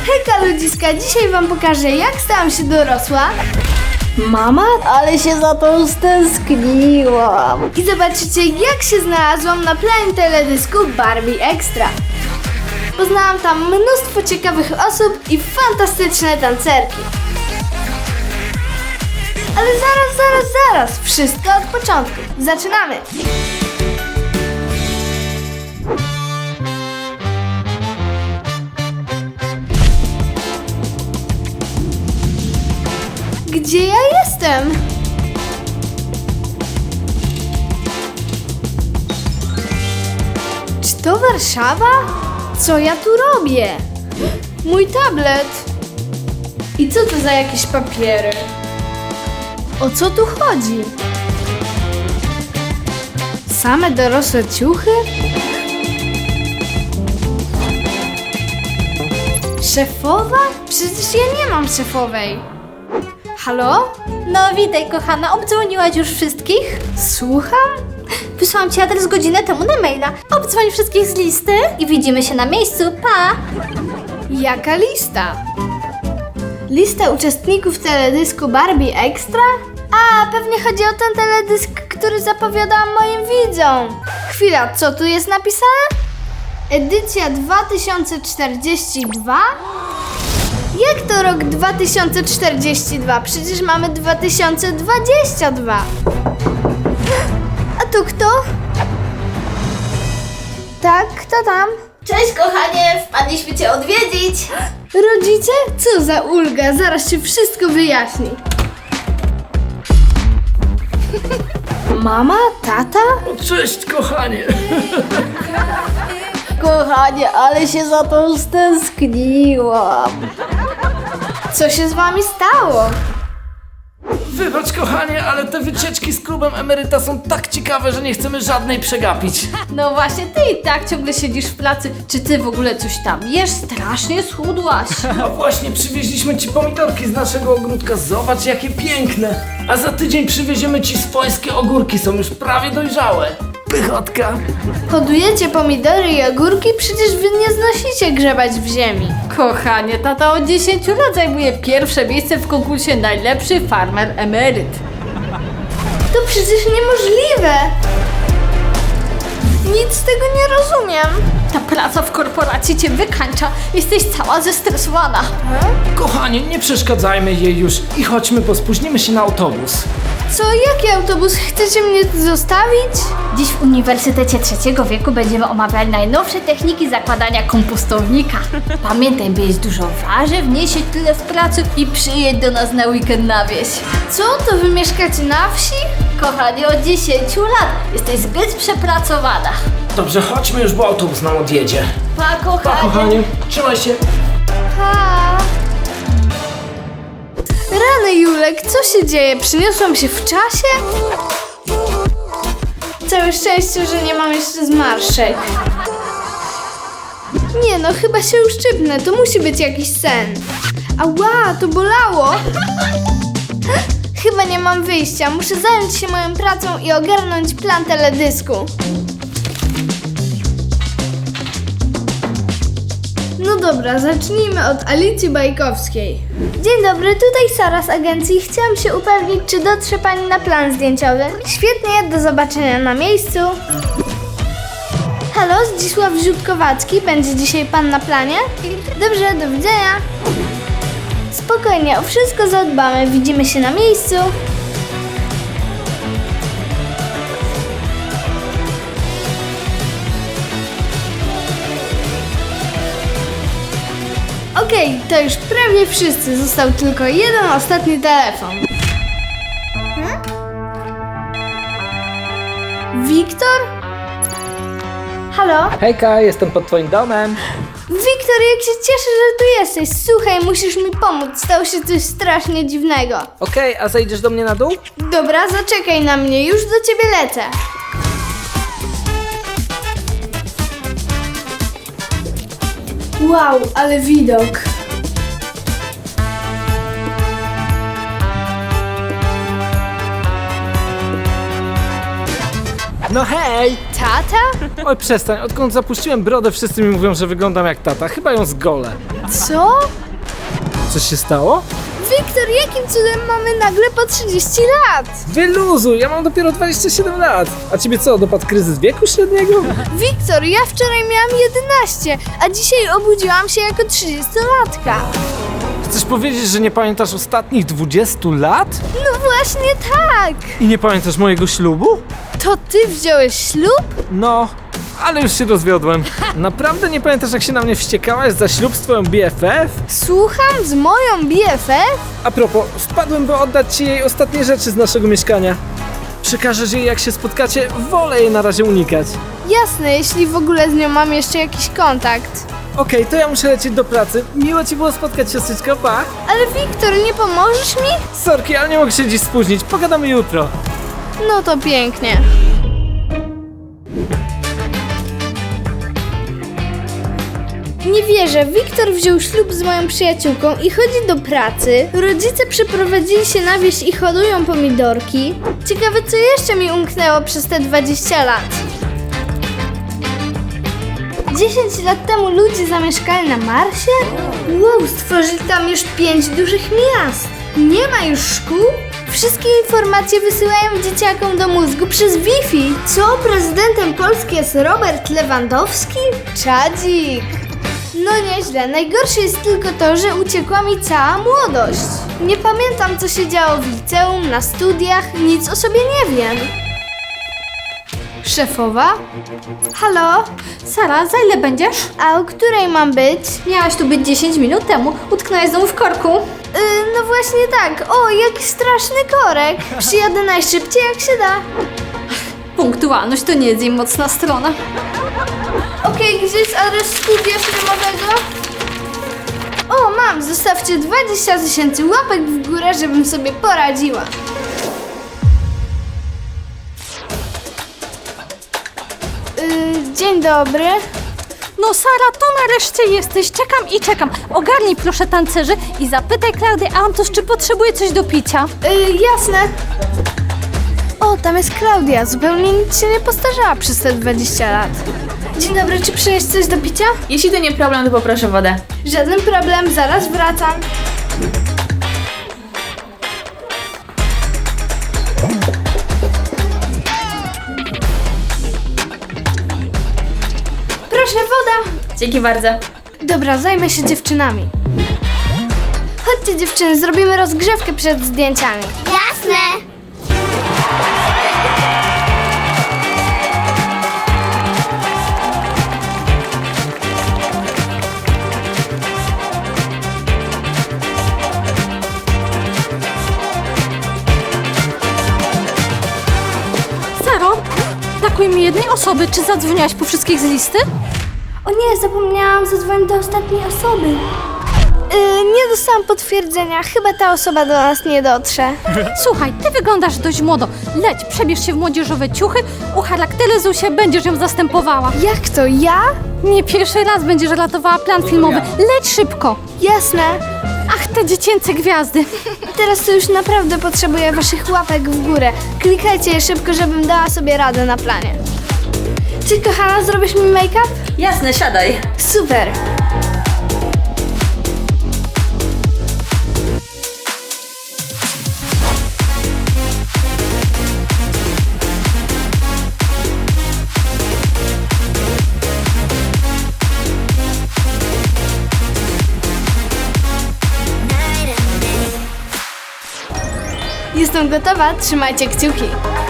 Hejka ludziska, dzisiaj wam pokażę, jak stałam się dorosła. Mama? Ale się za to stęskniłam. I zobaczycie, jak się znalazłam na planie teledysku Barbie Extra. Poznałam tam mnóstwo ciekawych osób i fantastyczne tancerki. Ale zaraz, wszystko od początku. Zaczynamy! Gdzie ja jestem? Czy to Warszawa? Co ja tu robię? Mój tablet. I co to za jakieś papiery? O co tu chodzi? Same dorosłe ciuchy? Szefowa? Przecież ja nie mam szefowej. Halo? No witaj kochana, obdzwoniłaś już wszystkich? Słucham? Wysłałam ci adres godzinę temu na maila. Obdzwoń wszystkich z listy i widzimy się na miejscu, pa! Jaka lista? Lista uczestników teledysku Barbie Extra? A, pewnie chodzi o ten teledysk, który zapowiadałam moim widzom. Chwila, co tu jest napisane? Edycja 2042? Jak to rok 2042? Przecież mamy 2022. A tu kto? Tak, kto tam? Cześć kochanie, wpadliśmy cię odwiedzić. Rodzice? Co za ulga, zaraz się wszystko wyjaśni. Mama? Tata? Cześć, kochanie! Kochanie, ale się za to stęskniłam. Co się z wami stało? Wybacz, kochanie, ale te wycieczki z klubem emeryta są tak ciekawe, że nie chcemy żadnej przegapić. No właśnie, ty i tak ciągle siedzisz w pracy. Czy ty w ogóle coś tam jesz? Strasznie schudłaś. A właśnie przywieźliśmy ci pomidorki z naszego ogródka. Zobacz, jakie piękne. A za tydzień przywieziemy ci swojskie ogórki, są już prawie dojrzałe. Pychotka. Hodujecie pomidory i ogórki? Przecież wy nie znosicie grzebać w ziemi. Kochanie, tata od 10 lat zajmuje pierwsze miejsce w konkursie Najlepszy Farmer Emeryt. To przecież niemożliwe. Nic z tego nie rozumiem. Ta praca w korporacji cię wykańcza. Jesteś cała zestresowana. Kochanie, nie przeszkadzajmy jej już i chodźmy, bo spóźnimy się na autobus. Co, jaki autobus? Chcecie mnie tu zostawić? Dziś w Uniwersytecie Trzeciego Wieku będziemy omawiać najnowsze techniki zakładania kompostownika. Pamiętaj, by jeść dużo warzyw, nie siedź tyle w pracy i przyjedź do nas na weekend na wieś. Co, to wy mieszkacie na wsi? Kochanie, od 10 lat jesteś zbyt przepracowana. Dobrze, chodźmy już, bo autobus nam odjedzie. Pa, kochanie. Pa, kochanie, trzymaj się. Ha. Rany, Julek, co się dzieje? Przyniosłam się w czasie? Całe szczęście, że nie mam jeszcze zmarszczek. Nie no, chyba się uszczypnę, to musi być jakiś sen. Ała, to bolało. Chyba nie mam wyjścia, muszę zająć się moją pracą i ogarnąć plan teledysku. No dobra, zacznijmy od Alicji Bajkowskiej. Dzień dobry, tutaj Sara z agencji. Chciałam się upewnić, czy dotrze pani na plan zdjęciowy. Świetnie, do zobaczenia na miejscu. Halo, Zdzisław Ziutkowacki. Będzie dzisiaj pan na planie? Dobrze, do widzenia. Spokojnie, o wszystko zadbamy. Widzimy się na miejscu. Okej, to już prawie wszyscy. Został tylko jeden ostatni telefon. Wiktor? Halo? Hejka, jestem pod twoim domem. Wiktor, jak się cieszę, że tu jesteś. Słuchaj, musisz mi pomóc. Stało się coś strasznie dziwnego. Okej, a zejdziesz do mnie na dół? Dobra, zaczekaj na mnie. Już do ciebie lecę. Wow, ale widok. No hej! Tata? Oj, przestań, odkąd zapuściłem brodę, wszyscy mi mówią, że wyglądam jak tata. Chyba ją zgolę. Co? Coś się stało? Wiktor, jakim cudem mamy nagle po 30 lat? Wyluzuj, ja mam dopiero 27 lat. A ciebie co, dopadł kryzys wieku średniego? Wiktor, ja wczoraj miałam 11, a dzisiaj obudziłam się jako 30-latka. Chcesz powiedzieć, że nie pamiętasz ostatnich 20 lat? No właśnie tak! I nie pamiętasz mojego ślubu? To ty wziąłeś ślub? No, ale już się rozwiodłem. Naprawdę nie pamiętasz, jak się na mnie wściekałaś za ślub z twoją BFF? Słucham z moją BFF? A propos, wpadłem, by oddać ci jej ostatnie rzeczy z naszego mieszkania. Przekażesz jej, jak się spotkacie, wolę jej na razie unikać. Jasne, jeśli w ogóle z nią mam jeszcze jakiś kontakt. Okej, to ja muszę lecieć do pracy. Miło ci było spotkać, siostrzyczko, pa! Ale Wiktor, nie pomożesz mi? Sorki, ale nie mogę się dziś spóźnić. Pogadamy jutro. No to pięknie. Nie wierzę, Wiktor wziął ślub z moją przyjaciółką i chodzi do pracy. Rodzice przeprowadzili się na wieś i hodują pomidorki. Ciekawe, co jeszcze mi umknęło przez te 20 lat. 10 lat temu ludzie zamieszkali na Marsie? Wow, stworzyli tam już 5 dużych miast. Nie ma już szkół? Wszystkie informacje wysyłają dzieciakom do mózgu przez Wi-Fi. Co, prezydentem Polski jest Robert Lewandowski? Czadzik. No nieźle, najgorsze jest tylko to, że uciekła mi cała młodość. Nie pamiętam, co się działo w liceum, na studiach, nic o sobie nie wiem. Szefowa? Halo? Sara, za ile będziesz? A o której mam być? Miałaś tu być 10 minut temu. Utknęłaś znowu w korku. No właśnie tak. O, jaki straszny korek. Przyjadę najszybciej jak się da. Punktualność to nie jest jej mocna strona. Okej, gdzie jest adres studia filmowego? O, mam. Zostawcie 20 000 łapek w górę, żebym sobie poradziła. Dzień dobry. No Sara, to nareszcie jesteś. Czekam i czekam. Ogarnij proszę tancerzy i zapytaj Klaudię Antos, czy potrzebuje coś do picia. Jasne. O, tam jest Klaudia. Zupełnie nic się nie postarzała przez te 20 lat. Dzień dobry, czy przynieść coś do picia? Jeśli to nie problem, to poproszę wodę. Żaden problem, zaraz wracam. Proszę, woda. Dzięki bardzo. Dobra, zajmę się dziewczynami. Chodźcie dziewczyny, zrobimy rozgrzewkę przed zdjęciami. Jasne. Saro, brakuje mi jednej osoby. Czy zadzwoniłaś po wszystkich z listy? O nie, zapomniałam zadzwonić do ostatniej osoby. Nie dostałam potwierdzenia. Chyba ta osoba do nas nie dotrze. Słuchaj, ty wyglądasz dość młodo. Leć, przebierz się w młodzieżowe ciuchy, ucharakteryzuj się, będziesz ją zastępowała. Jak to, ja? Nie pierwszy raz będziesz ratowała plan filmowy. Leć szybko. Jasne. Ach, te dziecięce gwiazdy. Teraz to już naprawdę potrzebuję waszych łapek w górę. Klikajcie je szybko, żebym dała sobie radę na planie. Ty, kochana, zrobisz mi make-up? Jasne, siadaj. Super. Jestem gotowa, trzymajcie kciuki.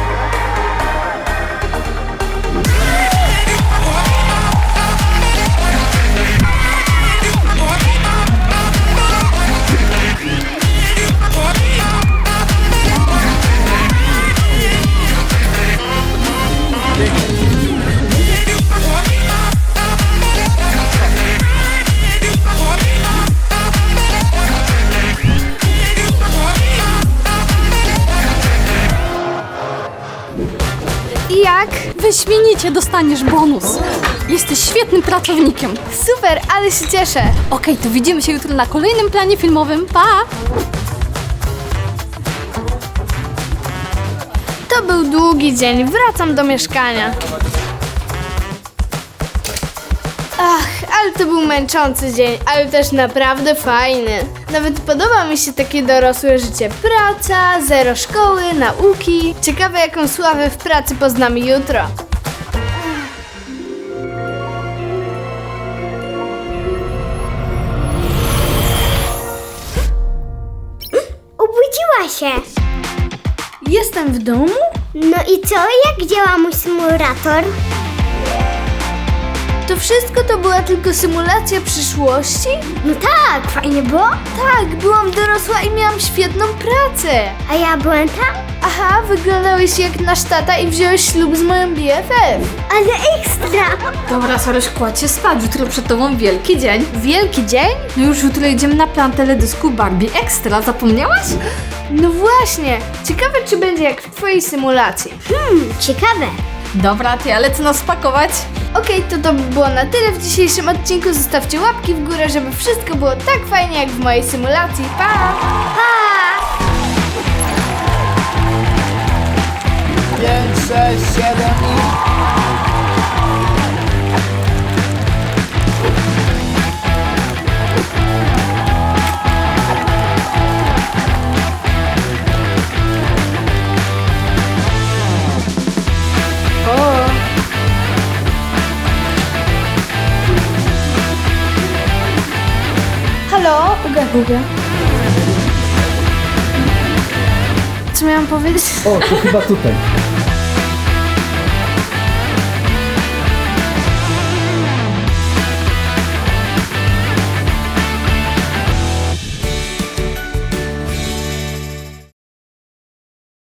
I jak? Wyśmienicie, dostaniesz bonus. Jesteś świetnym pracownikiem. Super, ale się cieszę. Okej, to widzimy się jutro na kolejnym planie filmowym. Pa! To był długi dzień, wracam do mieszkania. Ach, ale Ale to był męczący dzień, ale też naprawdę fajny. Nawet podoba mi się takie dorosłe życie. Praca, zero szkoły, nauki. Ciekawe, jaką sławę w pracy poznamy jutro. Obudziła się. Jestem w domu? No i co? Jak działa mój symulator? To wszystko to była tylko symulacja przyszłości? No tak, fajnie było. Tak, byłam dorosła i miałam świetną pracę. A ja byłem tam? Aha, wyglądałeś jak nasz tata i wziąłeś ślub z moją BFF. Ale ekstra! Dobra, Saruś, kładź się spać, jutro przed tobą wielki dzień. Wielki dzień? No już jutro jedziemy na plan teledysku Barbie Extra, zapomniałaś? No właśnie. Ciekawe, czy będzie jak w twojej symulacji. Ciekawe. Dobra, ty, ale co nas pakować? Okej, to by było na tyle w dzisiejszym odcinku. Zostawcie łapki w górę, żeby wszystko było tak fajnie jak w mojej symulacji. Pa! Pa! 5, 6, 7 i... Halo? Uga. Co miałam powiedzieć? O, to chyba tutaj.